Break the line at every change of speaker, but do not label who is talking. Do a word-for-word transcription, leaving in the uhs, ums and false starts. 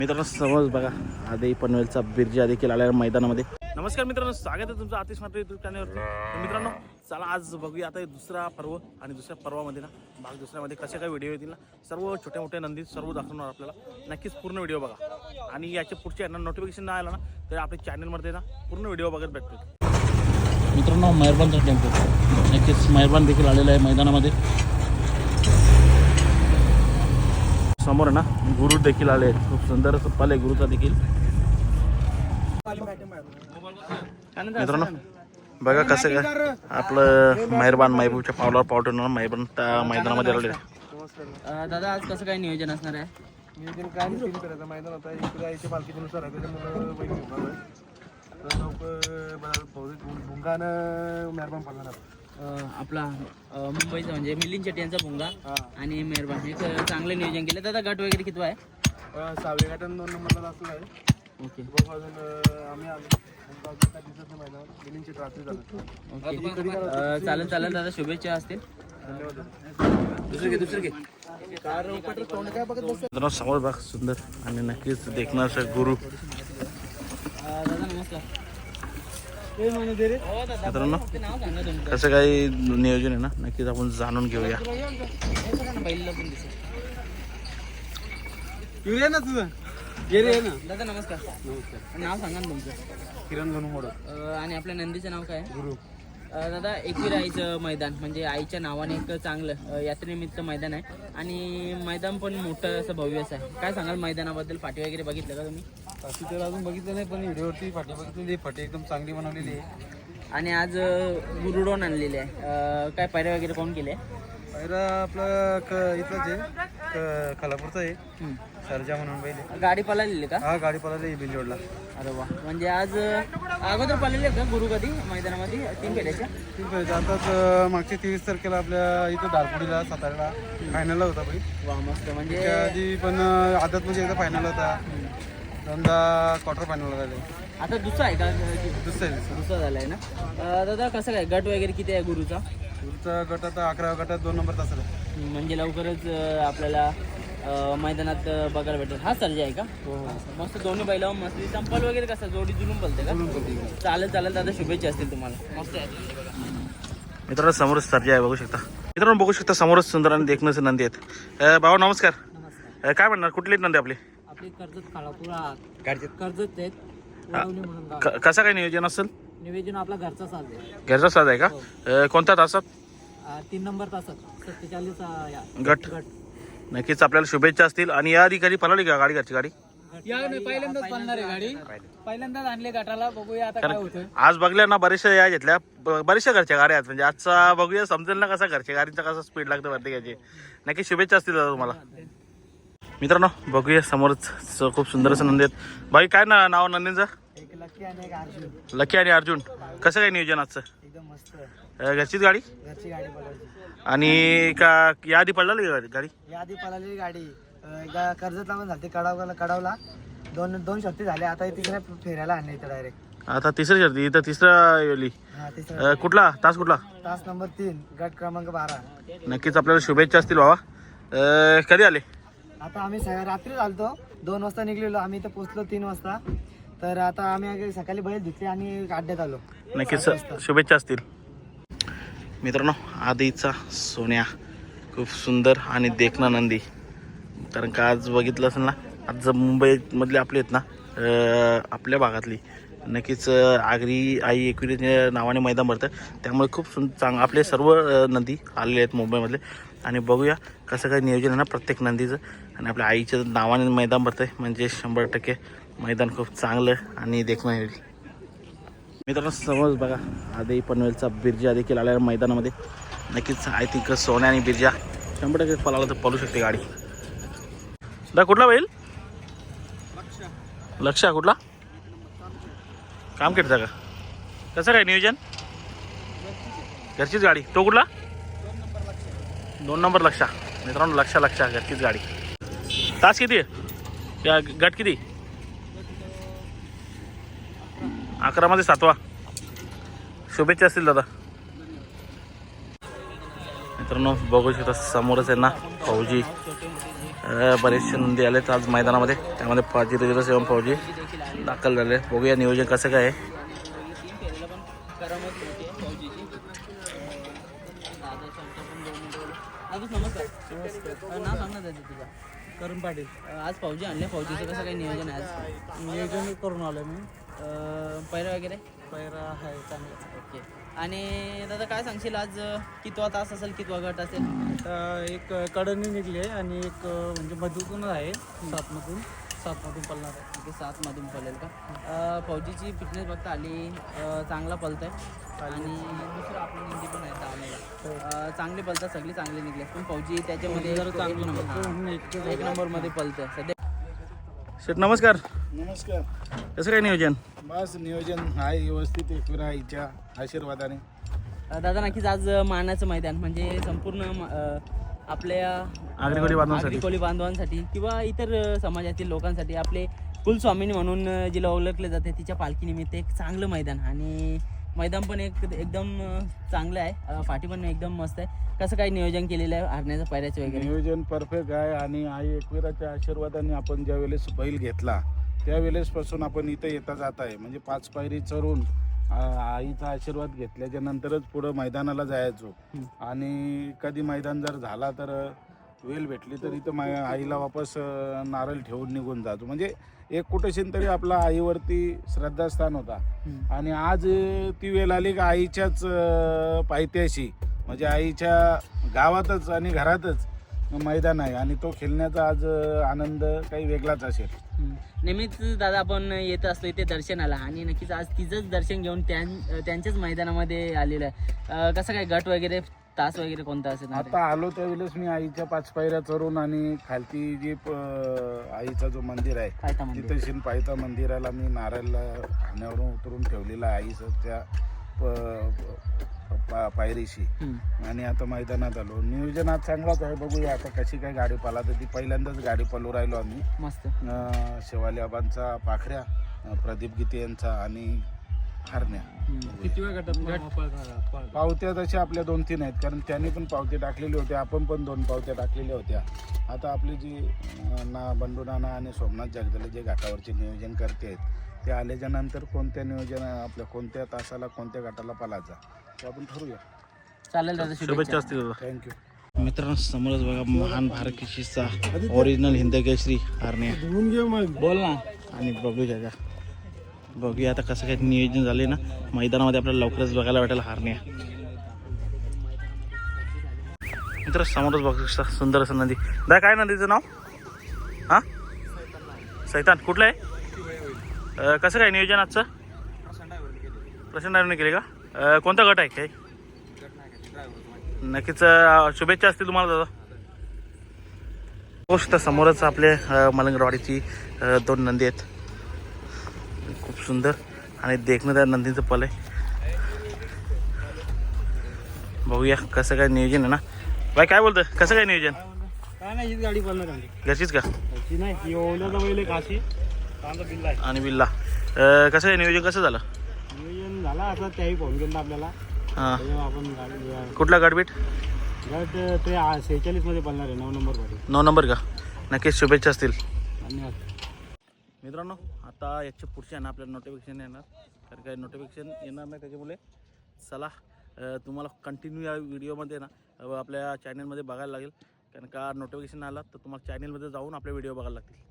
मित्रांनो समज बघा आधी पनवेलचा बिरजा देखील आल्या मैदानामध्ये. नमस्कार मित्रांनो, स्वागत आहे तुमचं आतिश मात्र यूट्यूब चॅनलवर. तर मित्रांनो चला आज बघूया आता दुसरा पर्व आणि दुसऱ्या पर्वामध्ये ना भाग दुसऱ्यामध्ये कसे काय व्हिडिओ येतील ना, सर्व छोट्या मोठ्या नंदी सर्व दाखवणार आपल्याला. नक्कीच पूर्ण व्हिडिओ बघा आणि याच्या पुढच्या यांना नोटिफिकेशन नाही आलं ना तर आपल्या चॅनलमध्ये ना पूर्ण व्हिडिओ बघत भेटतो. मित्रांनो मेहरबानचा टेम्पो नक्कीच मेहरबान देखील आलेला आहे मैदानामध्ये. समोर ना गुरु देखील आले आहेत, खूप सुंदर पाल आहे गुरुचा देखील. मित्रांनो बघा कसं काय आपलं मेहरबान महबूबच्या पावलावर पाव ठेवणार मेहरबान त्या मैदानामध्ये आलेले.
दादा आज कसं काय नियोजन असणार आहे?
नियोजन काय नाही, तीन करायचं मैदान आता इकडे यायच्या पालखीनुसार आहे त्याच्यामुळे बैल घेऊन भुंगानं मेहरबान पडणार.
आपला मुंबईचा म्हणजे मिलिंद शेट्टी यांचा भुंगा आणि मेहरबान हे चांगलं नियोजन केलं. दादा गट वगैरे किती आहे?
सहावे गाठन दोन नंबरला असलं आहे.
ओके
अजून आम्ही आलो मैदानावर मिलिंद शेट्टी रात्री झालं.
ओके चालेल चालेल दादा, शुभेच्छा असतील. दुसरं घे दुसरं घे
मित्रांनो समोर बघ सुंदर आणि नक्कीच देखणार गुरु.
दादा नमस्कार.
मित्रांनो कसं काही नियोजन आहे ना नक्कीच आपण जाणून घेऊया.
पहिलं पण दिसेल.
येऊया ना तुझं ये रे ना.
दादा नमस्कार.
नमस्कार.
नाव सांगा ना तुमचं.
किरण गणू मोड.
आणि आपल्या नंदीचं नाव काय आहे?
गुरु.
दादा एकवीर आईचं मैदान म्हणजे आईच्या नावाने एक चांगलं यात्रेनिमित्त मैदान आहे आणि मैदान पण मोठं असं भव्य असं आहे. काय सांगाल मैदानाबद्दल? पाठी वगैरे बघितलं का तुम्ही?
पाठी तर अजून बघितलं नाही, पण व्हिडिओवरती पाठी बघितलेली. फाटी एकदम चांगली बनवलेली आहे
आणि आज गुरुडोन आणलेले आहे. काय पायऱ्या वगैरे कोण केले?
पहिला आपलं क इथलंच आहे क खालापूरचं आहे सरजा म्हणून पहिले.
गाडी पळालेली का?
हा गाडी पळाली बिंजोडला.
अरे वा, म्हणजे आज अगोदर पळालेले का गुरु कधी मैदानामध्ये? तीन फेऱ्याच्या
ठीक आहे. आताच मागच्या तेवीस तारखेला आपल्या इथं दारपुडीला साताऱ्याला फायनलला होता भाई.
वा मस्त. म्हणजे
त्या आधी पण आदत म्हणजे एकदा फायनल होता, दोनदा क्वार्टर फायनल झाले.
आता दुसरा आहे का?
दुसरा आहे.
दुसरा झाला आहे ना. दादा कसं काय गट वगैरे किती आहे गुरुचा?
पुढचा गट आता अकरा गटात दोन नंबर तास आहे.
म्हणजे लवकरच आपल्याला मैदानात बघायला भेटेल. हा सर्जा आहे का?
हो
मस्त दोन्ही बैलावर मस्त. चंपल वगैरे कसं जोडी जुलून बोलते का? चालेल चालेल दादा, शुभेच्छा असतील तुम्हाला. मस्त आहे.
मित्रांनो समोरच सर्जा आहे बघू शकता. मित्रांनो बघू शकता समोरच सुंदर आणि देखण्याचे नंदी आहेत. भाऊ नमस्कार.
नमस्कार.
काय म्हणणार कुठले नंदी आपले?
आपली कर्जत खालापूर कर्जत आहेत म्हणून गाव.
क- कसं काय नियोजन असेल?
निवेदन आपला घरचा साज आहे.
घरचा साज आहे का? अ, कोणत्या तासात?
तीन नंबर तासात सत्तेचाळीस
गट. नक्कीच आपल्याला शुभेच्छा असतील. आणि या आधी कधी पळाली का गाडी घरची गाडी?
या पहिल्यांदाच पळणार आहे गाडी. पहिल्यांदाच आणले गटाला, बघूया आता काय होतं.
आज बघल्या ना बऱ्याचशा या घेतल्या, ब- बऱ्याचशा घरच्या गाड्या आहेत. म्हणजे आजचा बघूया समजेल ना कसा घरच्या गाडीचा कसा स्पीड लागतं प्रत्येकाची. नक्की शुभेच्छा असतील दादा तुम्हाला. मित्रांनो बघूया समोरच स- खूप सुंदर असं नंदी आहेत. बाई काय ना नाव नंदींचं?
एक लक्की आणि एक अर्जुन.
लकी आणि अर्जुन. कसं काय नियोजन आजचं?
एकदम मस्त.
अ, घरचीच गाडी
घरची गाडी पळायची.
आणि का या आधी पडला गाडी?
या आधी पळालेली गाडी एकदा कर्जतला पण झाली, कडावला कडावला दोन दोन शक्ती झाले. आता तिसऱ्या फेऱ्याला आणले इथं डायरेक्ट.
आता तिसरी शर्ती इथं तिसरा येली.
हा तिसरा
अ, कुठला तास कुठला?
तास नंबर तीन गट क्रमांक बारा.
नक्कीच आपल्याला शुभेच्छा असतील बाबा. अ, कधी आले?
आता आम्ही स- रात्री चालतो दोन वाजता निघलेलो. आम्ही इथं पोचलो तीन वाजता. तर आता आम्ही सकाळी बैल धुतले आणि अड्ड्यात आलो.
नक्कीच शुभेच्छा असतील. मित्रांनो आधीचा सोन्या खूप सुंदर आणि देखना नंदी. कारण का आज बघितलं असेल ना, आज मुंबईमधले आपले आहेत ना अ, आपल्या भागातली नक्कीच अ, आगरी आई एकविरी नावाने मैदान भरतं. त्यामुळे खूप सुं चांग आपले सर्व अ, नंदी आलेले आहेत मुंबईमधले. आणि बघूया कसं काय नियोजन आहे ना प्रत्येक नंदीचं. आणि आपल्या आईच्या नावाने मैदान भरतं आहे म्हणजे शंभर टक्के मैदान खूप चांगलं आणि देखणं येईल. मित्रांनो समज बघा आधी पनवेलचा बिरजा देखील आल्या मैदानामध्ये. नक्कीच आय थिंक सोन्या आणि बिरजा शंभर टक्के पळाला तर पळू शकते गाडी. दा कुठला बैल? लक्ष्या. कुठला काम केटचा का? कसं काय नियोजन? घरचीच गाडी. तो कुठला? दोन नंबर लक्षा. मित्रांनो लक्षा लक्षा घरचीच गाडी. तास किती आहे या गट किती? अकरामध्ये सातवा. शुभेच्छा असतील दादा. मित्रांनो बघू शकता समोरच आहे ना फौजी अ, बरेचसे नंदी आलेत आज मैदानामध्ये. त्यामध्ये पाच जिल्हा सेवन फौजी दाखल झाले. बघूया नियोजन कसं काय आहे.
तीन फेरीला पण करामत मोठी आहे फौजीची. दादा शंकर पण दोन मिनिटं बोलू. दादूच नमस्कार. नमस्कार. नाव सांग ना दादा तुझा.
करून पाटील
आज फौजी आणले. फौजीचं कसं काही नियोजन आहे आज?
नियोजन करून आलो मी.
पहिलं वगैरे
पैरा आहे चांगला.
ओके. आणि दादा काय सांगशील आज कितवा तास असेल, कितवा गट असेल?
आता एक कडनी निघली आहे आणि एक म्हणजे मधूतून आहे सातमधून सातमधून पळणार आहे.
ओके, सातमधून पळेल का? अ, फौजीची फिटनेस बघता आली, अ, चांगला पळत आहे. आणि दुसरं आपलं नंदी पण आहे दावणीला. चांगली पळतात, सगळी चांगली निघली. पण फौजी त्याच्यामध्ये
जरा
एक
चांगली
नंबर
पळतो.
हां,
एक-
एक नंबरमध्ये पळतं सध्या.
शेठ नमस्कार.
नमस्कार.
कसं काय नियोजन?
बस नियोजन आहे व्यवस्थित एकविरा आईच्या आशीर्वादाने.
अ, दादा नक्कीच आज मानाचं मैदान म्हणजे संपूर्ण म- अ, आपल्या
आगरी कोळी बांधवांसाठी.
आगरी कोळी बांधवांसाठी किंवा इतर अ, समाजातील लोकांसाठी आपले कुलस्वामिनी म्हणून अ, जिला ओळखले जाते तिच्या पालखीनिमित्त एक चांगलं मैदान. आणि मैदान पण एक एकदम अ, चांगलं आहे. अ, फाटी पण एकदम मस्त आहे. कसं काय नियोजन केलेलं आहे हरण्याचं, पायऱ्याचं वगैरे?
नियोजन परफेक्ट आहे आणि आई एकविराच्या आशीर्वादाने आपण ज्या वेळेस बैल घेतला त्यावेळेसपासून आपण इथं येता जात आहे. म्हणजे पाच पायरी चढून आ- आईचा आशीर्वाद घेतल्याच्या नंतरच पुढं मैदानाला जायचो. आणि कधी मैदान जर झाला तर वेळ भेटली तर इथं मा आईला वापस अ, नारळ ठेवून निघून जातो. म्हणजे एक कुठेशीन तरी आपला आईवरती श्रद्धास्थान होता.
हम्म.
आणि आज अ, ती वेळ आली की आईच्याच अ, पायथ्याशी म्हणजे आईच्या गावातच आणि घरातच मैदान आहे आणि तो खेळण्याचा आज अ, आनंद काही वेगळाच असेल.
हम्म. नेहमीच दादा आपण येत असतो इथे दर्शनाला आणि नक्कीच आज तिचंच दर्शन घेऊन त्यां त्यांच्याच मैदानामध्ये आलेलं आहे. अ, कसं काय गट वगैरे, तास वगैरे कोणता असेल?
आता आलो त्यावेळेस मी आईच्या पाच पायऱ्या चढून आणि खालती जी प- आईचा जो मंदिर आहे
पायथा मंदिर.
तिथे शिन पायथा मंदिराला मी नारळला खाण्यावरून उतरून ठेवलेला आहे आईचं त्या प- पा- पायरीशी.
हम्म.
आणि आता मैदानात आलो. नियोजन आज चांगलाच आहे. बघूया आता कशी काय गाडी पाला तर ती पहिल्यांदाच गाडी पळू राहिलो आम्ही.
मस्त.
अं, शेवाली आबांचा पाखऱ्या, अं, प्रदीप गीते यांचा आणि हरण्या.
हम्म.
किती वेळ गटात
पावत्या तशा आपल्या दोन तीन आहेत कारण त्यांनी पण पावते टाकलेले होते, आपण पण दोन पावत्या टाकलेल्या होत्या. आता आपली जी अं, ना बंडू नाना आणि सोमनाथ जगदले जे घाटावरचे नियोजन करते आहेत ते आल्याच्या नंतर कोणत्या नियोजन आपल्या कोणत्या तासाला कोणत्या घाटाला पालायचा ते आपण ठरवूया.
चालेल दादा,
शुभेच्छा
शुभेच्छा.
असतील दादा.
थँक्यू.
मित्रांनो समोरच बघा महान भारत केसरीचा ओरिजिनल हिंदकेसरी हरण्या
बोल ना.
आणि बघू का बघूया आता कसं काय नियोजन झाले ना मैदानामध्ये आपल्याला लवकरच बघायला भेटेल हरण्या. मित्र समोरच बघू शकता सुंदर असं नदी. दा काय नदीचं नाव? हां, सैतान. कुठलं आहे? अं, कसं काय नियोजन आजचं? प्रसन्न ड्रायव्हरने केले का? अं, कोणता गट आहे काय? नक्कीच अं, शुभेच्छा असतील तुम्हाला दादा. गोष्ट समोरच आपले अं, मलंगरवाडीची अं, दोन नंदी आहेत. खूप सुंदर आणि देखणं त्या नंदीचं पल आहे. बघूया कसं काय नियोजन आहे ना. बाई काय बोलतं, कसं काय नियोजन?
काय नाही, हीच गाडी पळणार आहे.
घरचीच का?
ती नाही ही ओवल्याचा बैल एक काशी चांगला बिल्ला आहे.
आणि बिल्ला अं, कसं काय नियोजन कसं झालं?
नियोजन झाला आता त्याही फोन केला आपल्याला
हां,
तेव्हा आपण गाडी
कुठला गटबीट?
गट ते सेहेचाळीस मध्ये पळणार आहे, नऊ नंबर मध्ये.
नऊ नंबर का? नक्कीच शुभेच्छा असतील.
धन्यवाद.
मित्रांनो आता याच्या पुढच्या ना आपल्याला नोटिफिकेशन येणार, कारण काही नोटिफिकेशन येणार नाही त्याच्यामुळे चला अ, तुम्हाला कंटिन्यू या व्हिडिओमध्ये ना अ, आपल्या चॅनलमध्ये बघायला लागेल. कारण का नोटिफिकेशन आला तर तुम्हाला चॅनलमध्ये जाऊन आपले व्हिडिओ बघायला लागतील.